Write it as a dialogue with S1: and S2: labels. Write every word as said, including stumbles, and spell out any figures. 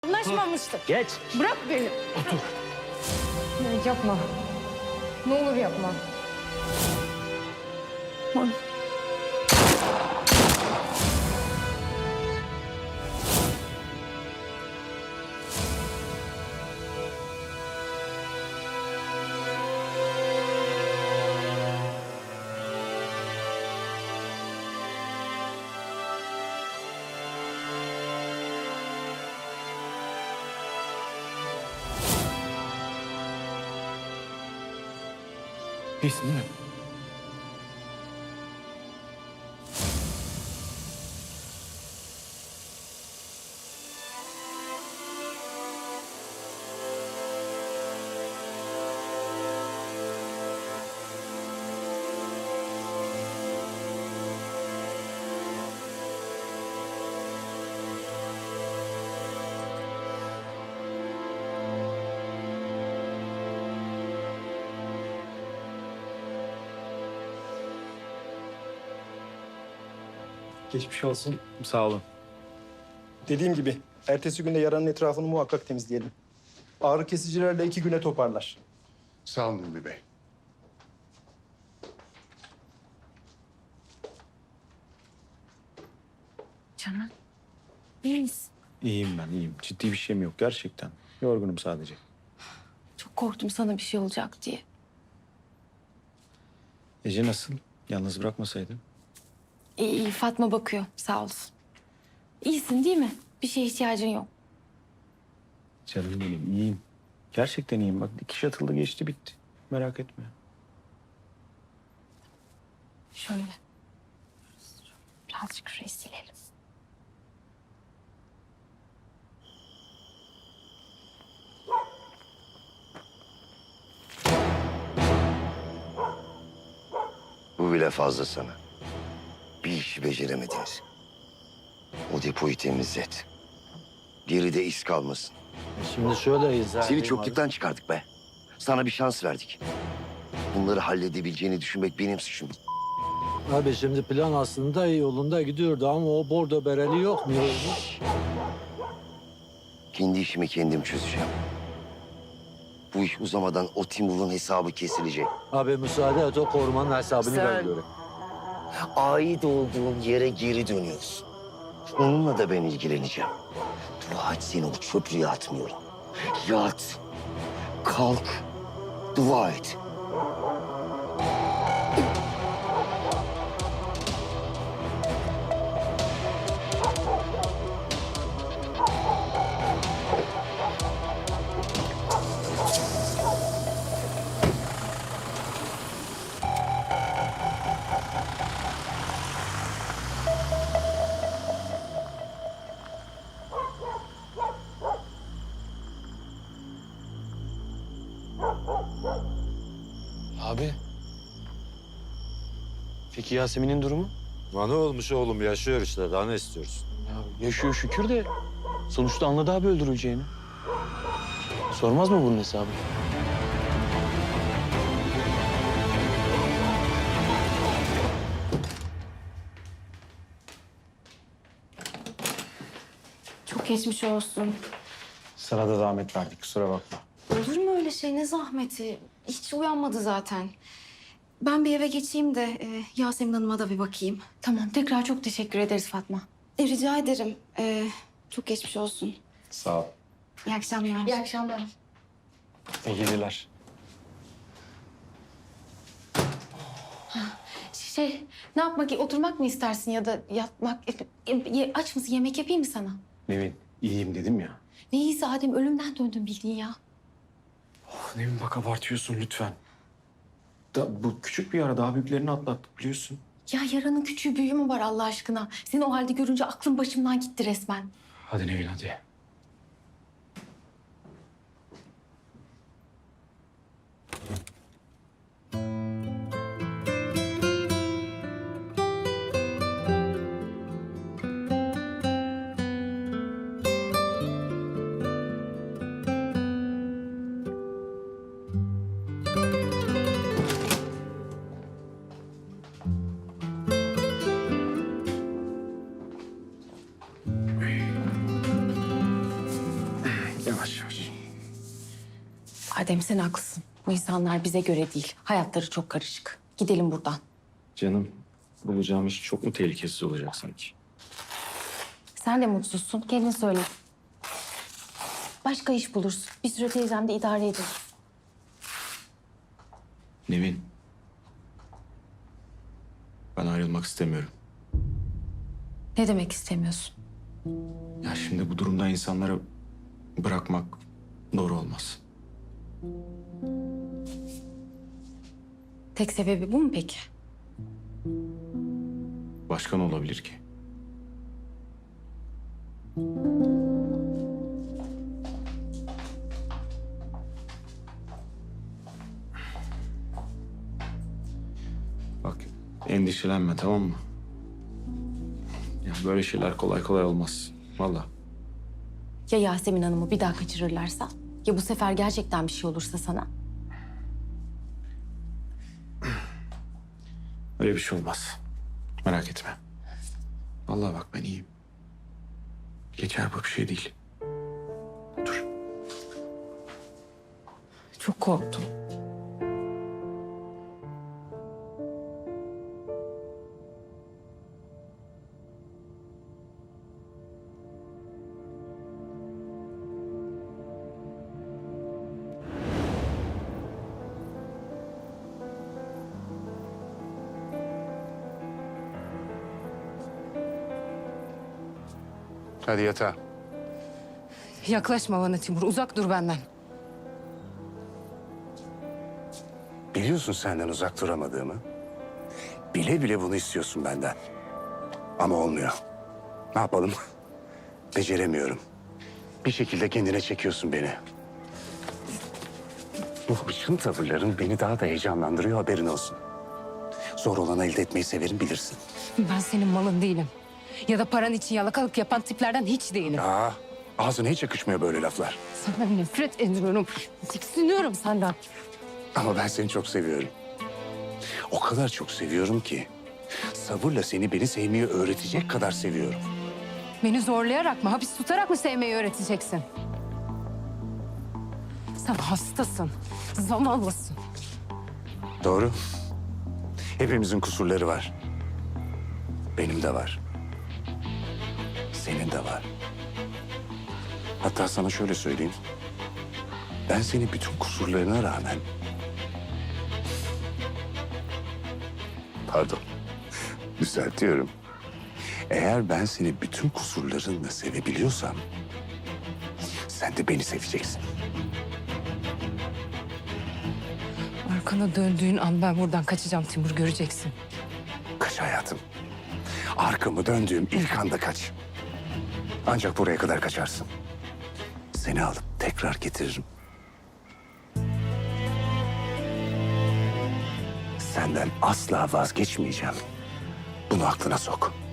S1: Anlaşmamıştık.
S2: Geç.
S1: Bırak beni.
S2: Otur.
S1: Ya yapma. Ne olur yapma. Bak.
S2: İyisin değil mi?
S3: Geçmiş olsun.
S2: Sağ olun.
S3: Dediğim gibi ertesi günde yaranın etrafını muhakkak temizleyelim. Ağrı kesicilerle iki güne toparlar.
S4: Sağ olun Ulvi Bey.
S1: Canan. İyi misin?
S2: İyiyim ben, iyiyim. Ciddi bir şeyim yok gerçekten. Yorgunum sadece.
S1: Çok korktum sana bir şey olacak diye.
S2: Ece nasıl? Yalnız bırakmasaydın.
S1: İyi, iyi. Fatma bakıyor. Sağ olsun. İyisin değil mi? Bir şeye ihtiyacın yok.
S2: Canım benim, iyiyim. Gerçekten iyiyim. Bak dikiş atıldı, geçti, bitti. Merak etme.
S1: Şöyle. Birazcık şurayı silelim.
S5: Bu bile fazla sana. Bir işi beceremediniz. O depoyu temizlet. Geride iz kalmasın.
S6: Şimdi şöyle izah
S5: Seni
S6: edeyim
S5: çokluktan çıkardık be. Sana bir şans verdik. Bunları halledebileceğini düşünmek benim suçum.
S6: Abi. Abi şimdi plan aslında iyi yolunda gidiyordu ama o bordo bereli yok mu?
S5: Kendi işimi kendim çözeceğim. Bu iş uzamadan o Timur'un hesabı kesilecek.
S6: Abi müsaade et o korumanın hesabını
S5: Sen-
S6: ben göreyim.
S5: Ait olduğun yere geri dönüyorsun. Onunla da ben ilgileneceğim. Dua et seni o çöplüğe atmıyorum. Yat. Kalk. Dua et.
S7: Abi. Peki Yasemin'in durumu?
S6: Lan ne olmuş oğlum yaşıyor işte daha ne istiyorsun?
S7: Ya yaşıyor şükür de sonuçta anladı abi öldürüleceğini. Sormaz mı bunun hesabı?
S1: Çok geçmiş olsun.
S2: Sana da zahmet verdik, kusura bakma.
S1: Olur mu öyle şey? Ne zahmeti? Hiç uyanmadı zaten. Ben bir eve geçeyim de e, Yasemin Hanım'a da bir bakayım. Tamam. Tekrar çok teşekkür ederiz Fatma. E, rica ederim. E, çok geçmiş olsun.
S2: Sağ ol.
S1: İyi akşamlar. İyi akşamlar.
S2: İyi geceler.
S1: Şey, ne yapmak, oturmak mı istersin ya da yatmak? E, e, aç mısın? Yemek yapayım mı sana?
S2: Nevin, iyiyim dedim ya.
S1: Ne iyisi Adem, ölümden döndün bildiğin ya.
S2: Oh, Nevin bak abartıyorsun lütfen. Da, bu küçük bir yara, daha büyüklerini atlattık biliyorsun.
S1: Ya yaranın küçüğü büyüğü mü var Allah aşkına? Seni o halde görünce aklım başımdan gitti resmen.
S2: Hadi Nevin hadi.
S1: Adem sen haklısın. Bu insanlar bize göre değil. Hayatları çok karışık. Gidelim buradan.
S2: Canım, bulacağım iş çok mu tehlikesiz olacak sanki?
S1: Sen de mutsuzsun. Kendin söyle. Başka iş bulursun. Bir süre teyzemde idare edin.
S2: Nevin. Ben ayrılmak istemiyorum.
S1: Ne demek istemiyorsun?
S2: Ya şimdi bu durumda insanları bırakmak doğru olmaz.
S1: Tek sebebi bu mu peki?
S2: Başka ne olabilir ki? Bak, endişelenme, tamam mı? Ya böyle şeyler kolay kolay olmaz. Vallahi.
S1: Ya Yasemin Hanım'ı bir daha kaçırırlarsa? Ya bu sefer gerçekten bir şey olursa sana?
S2: Öyle bir şey olmaz. Merak etme. Vallahi bak ben iyiyim. Geçer, bu bir şey değil. Dur.
S1: Çok korktum.
S4: Hadi yatağa.
S8: Yaklaşma bana Timur. Uzak dur benden.
S4: Biliyorsun senden uzak duramadığımı. Bile bile bunu istiyorsun benden. Ama olmuyor. Ne yapalım? Beceremiyorum. Bir şekilde kendine çekiyorsun beni. Bu hırçın tavırların beni daha da heyecanlandırıyor, haberin olsun. Zor olanı elde etmeyi severim, bilirsin.
S8: Ben senin malın değilim. Ya da paran için yalakalık yapan tiplerden hiç değilim.
S4: Aa, ağzına hiç yakışmıyor böyle laflar.
S8: Senden nefret ediyorum. Tiksiniyorum senden.
S4: Ama ben seni çok seviyorum. O kadar çok seviyorum ki... sabırla seni beni sevmeyi öğretecek kadar seviyorum.
S8: Beni zorlayarak mı, hapis tutarak mı sevmeyi öğreteceksin? Sen hastasın. Zavallısın.
S4: Doğru. Hepimizin kusurları var. Benim de var. Senin de var. Hatta sana şöyle söyleyeyim. Ben seni bütün kusurlarına rağmen... Pardon. Düzeltiyorum. Eğer ben seni bütün kusurlarınla sevebiliyorsam... sen de beni seveceksin.
S8: Arkana döndüğün an ben buradan kaçacağım Timur, göreceksin.
S4: Kaç hayatım. Arkamı döndüğüm ilk anda kaç. Ancak buraya kadar kaçarsın. Seni alıp tekrar getiririm. Senden asla vazgeçmeyeceğim. Bunu aklına sok.